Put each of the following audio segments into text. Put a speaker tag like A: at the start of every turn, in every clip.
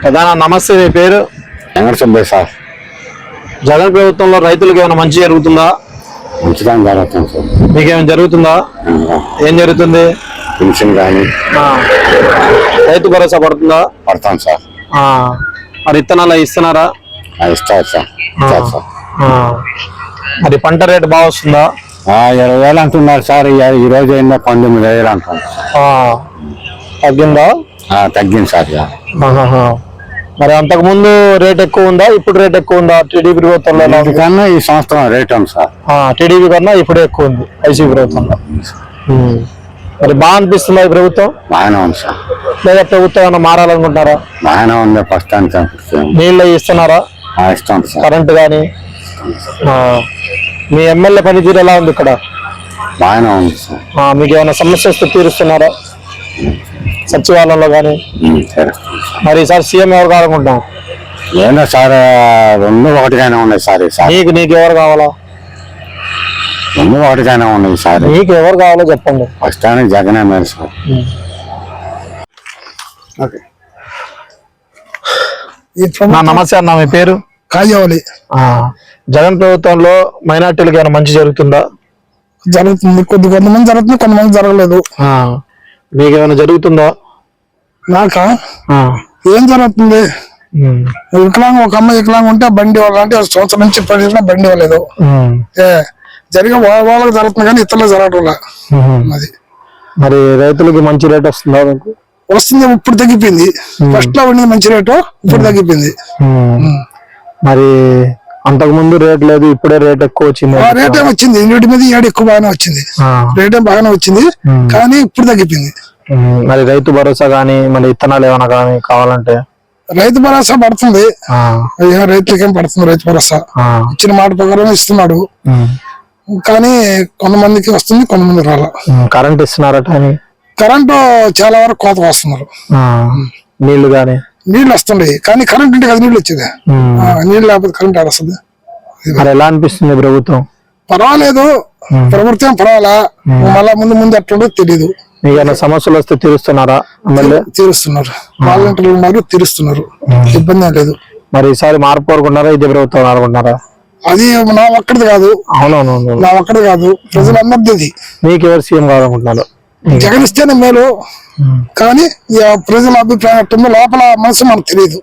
A: ప్రధాన నమస్తే, మీ పేరు?
B: వెంకటసుబ్బయ్య సార్.
A: జగన్ ప్రభుత్వంలో రైతులకు ఏమైనా మంచి జరుగుతుందా?
B: మంచిదాన్ని జరుగుతుంది సార్.
A: మీకేమైనా జరుగుతుందా? ఏం జరుగుతుంది?
B: పెన్షన్ కానీ
A: రైతు భరోసా పడుతుందా?
B: పడతాం సార్.
A: మరి విత్తనాలు ఇస్తున్నారా?
B: ఇస్తారు సార్. ఇస్తారు సార్.
A: మరి పంట రేటు బాగా వస్తుందా?
B: 20,000 అంటున్నారు సార్. ఈ రోజు ఏందో 19,000 అంటున్నారు.
A: తగ్గిందా?
B: తగ్గింది సార్.
A: మరి అంతకు ముందు రేట్ ఎక్కువ ఉందా, ఇప్పుడు రేట్ ఎక్కువ ఉందా? టీడీపీ ప్రభుత్వంలో
B: కన్నా ఈ సంవత్సరం రేట్ ఉంది సార్.
A: టీడీపీ కన్నా ఇప్పుడే ఎక్కువ ఉంది వైసీపీ ప్రభుత్వంలో. మరి బాగా అనిపిస్తుందా ఈ ప్రభుత్వం?
B: బాగానే ఉంది సార్.
A: లేదా ప్రభుత్వం ఏమైనా మారాలనుకుంటున్నారా?
B: బాగానే ఉంది ప్రస్తుతానికి.
A: నీళ్ళు ఇస్తున్నారా?
B: ఇస్తాం సార్.
A: కరెంటు కానీ మీ ఎమ్మెల్యే పనితీరు ఎలా ఉంది ఇక్కడ?
B: బాగానే ఉంది సార్.
A: మీకు ఏమైనా సమస్య వస్తే తీరుస్తున్నారా సచివాలయంలో కానీ? మరి ఈసారి సీఎం ఎవరు కావాలనుకుంటున్నాం?
B: ఏంటో సార్, రెండు ఒకటిగానే ఉన్నాయి సార్.
A: నీకు ఎవరు కావాలా?
B: రెండు ఒకటిగానే ఉన్నాయి సార్.
A: నీకు ఎవరు కావాలో చెప్పండి.
B: ప్రస్తుతానికి జగనే మేలు సార్.
A: నమస్తే అన్న, మీ పేరు?
C: కాజావలి.
A: జగన్ ప్రభుత్వంలో మైనార్టీలకు ఏమైనా మంచి జరుగుతుందా?
C: జరుగుతుంది. కొంతమంది జరుగుతుంది, కొంతమంది జరగలేదు.
A: మీకేమైనా జరుగుతుందా?
C: నాకా ఏం జరుగుతుంది? వికలాంగం, ఒక అమ్మాయి వికలాంగం ఉంటే బండి ఇవ్వాలంటే సంవత్సరం నుంచి పడినా బండి ఇవ్వలేదు. జరిగే వాళ్ళకి జరుగుతుంది కానీ ఇతరులకు జరగడం. అది
A: మరి రైతులకి మంచి రేట్ వస్తుందా?
C: వస్తుంది. ఇప్పుడు తగ్గిపోయింది. ఫస్ట్ లో ఉండేది మంచి రేటు, ఇప్పుడు తగ్గిపోయింది.
A: మరి అంతకు ముందు రేట్ లేదు, ఇప్పుడే రేట్ ఎక్కువ వచ్చింది.
C: రేట్ ఏమి వచ్చింది, ఇంటి మీద ఏడు ఎక్కువ బాగానే వచ్చింది. రేట్ ఏం బాగానే వచ్చింది కానీ ఇప్పుడు తగ్గిపోయింది.
A: మరి రైతు భరోసా గానీ, మరి విత్తనాలు ఏమైనా కానీ కావాలంటే?
C: రైతు భరోసా పడుతుంది. రైతులకేం పడుతుంది రైతు భరోసా. ఇచ్చిన మాట ప్రకారం ఇస్తున్నాడు కానీ కొంతమందికి వస్తుంది, కొంతమంది రాలా.
A: కరెంట్ ఇస్తున్నారట?
C: కరెంటు చాలా వరకు కోత వస్తున్నారు.
A: నీళ్లు గానీ?
C: నీళ్లు వస్తుండే కానీ కరెంట్ ఉంటే కదా నీళ్ళు వచ్చేది. నీళ్ళు లేకపోతే కరెంట్ ఆడొస్తుంది.
A: మరి ఎలా అనిపిస్తుంది ప్రభుత్వం?
C: పర్వాలేదు, ప్రభుత్వం పర్వాలా. మళ్ళా ముందు ఎట్లుండో తెలీదు.
A: మీకు సమస్యలు వస్తే తీరుస్తున్నారా?
C: తీరుస్తున్నారు. వాలంటీర్లు ఉన్నారు, తీరుస్తున్నారు. ఇబ్బంది ఏం లేదు.
A: మరి ఈసారి మార్పు కోరుకుంటారా, ఇదే ప్రభుత్వం అనుకుంటున్నారా?
C: అది నా ఒక్కడిది కాదు.
A: అవునవును,
C: నా ఒక్కడిది కాదు, ప్రజలందరిది.
A: మీకు ఎవరు సీఎం కావాలనుకుంటున్నారు?
C: జగన్ ఇస్తేనే మేలు కానీ ప్రజల అభిప్రాయం ఎట్టుందో లోపల మనసు మనకు తెలియదు.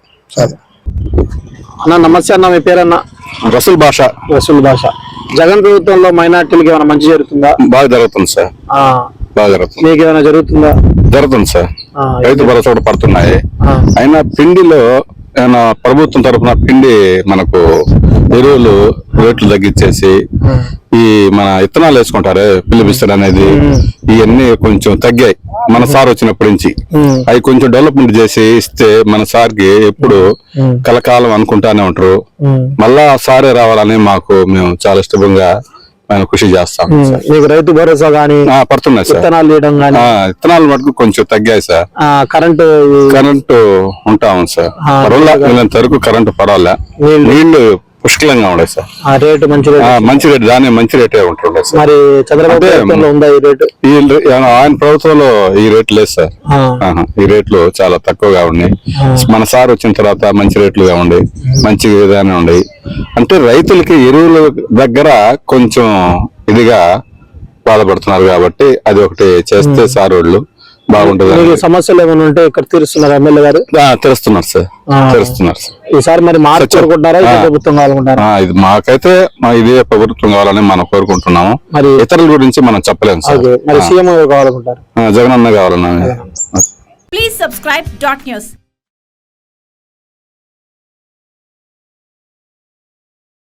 A: అన్న నమస్తే అన్న, మీ పేరన్న?
B: రసూల్ భాష.
A: రసూల్ భాష. జగన్ ప్రభుత్వంలో మైనార్టీలకు ఏమైనా మంచి జరుగుతుందా?
B: బాగా జరుగుతుంది సార్. బాగా జరుగుతుంది.
A: మీకు ఏమైనా జరుగుతుందా?
B: జరుగుతుంది సార్. రైతు భరోసా కూడా పడుతున్నాయి. అయినా పిండిలో ఏమైనా ప్రభుత్వం తరఫున పిండి మనకు ఎరువులు రేట్లు తగ్గించేసి ఈ మన విత్తనాలు వేసుకుంటారు పిలిపిస్తారు అనేది, ఇవన్నీ కొంచెం తగ్గాయి మన సార్ వచ్చినప్పటి నుంచి. అవి కొంచెం డెవలప్మెంట్ చేసి ఇస్తే మన సార్కి ఎప్పుడు కలకాలం అనుకుంటానే ఉంటారు. మళ్ళా సారే రావాలని మేము చాలా ఇష్టంగా కృషి చేస్తాం.
A: మీకు రైతు భరోసా గానీ
B: పడుతున్నాయి సార్. విత్తనాలు మటుకు కొంచెం తగ్గాయి సార్. కరెంటు ఉంటాము సార్. వీళ్ళంత వరకు కరెంటు పర్వాలే. నీళ్లు పుష్కలంగా ఉన్నాయి సార్.
A: రేటు
B: మంచి రేటు, దాని మంచి రేటే ఉంటుండే సార్.
A: మరి చంద్రబాబు ఉందా ఈ రేటు?
B: ఆయన ప్రభుత్వంలో ఈ రేట్లు లేదు సార్. ఈ రేట్లు చాలా తక్కువగా ఉన్నాయి. మన సార్ వచ్చిన తర్వాత మంచి రేట్లుగా ఉండి మంచి విధానం ఉండి, అంటే రైతులకి ఎరువుల దగ్గర కొంచెం ఇదిగా బాధపడుతున్నారు కాబట్టి అది ఒకటి చేస్తే సార్ వాళ్ళు బాగుంటుంది.
A: సమస్యలు ఏమైనా ఉంటే ఇక్కడ తీరుస్తున్నారు ఎమ్మెల్యే గారు?
B: తెలుస్తున్నారు సార్, తెలుస్తున్నారు సార్.
A: ఈసారి మరి మార్పు కోరుకుంటారా, ప్రభుత్వం కావాలనుకుంటారా?
B: ఇది మాకైతే ఇదే ప్రభుత్వం కావాలని మనం కోరుకుంటున్నాము. మరి ఇతరుల గురించి మనం చెప్పలేము సార్.
A: మరి సీఎం కావాలనుకుంటారు?
B: జగన్ అన్న కావాలన్నా.
D: Please subscribe .news.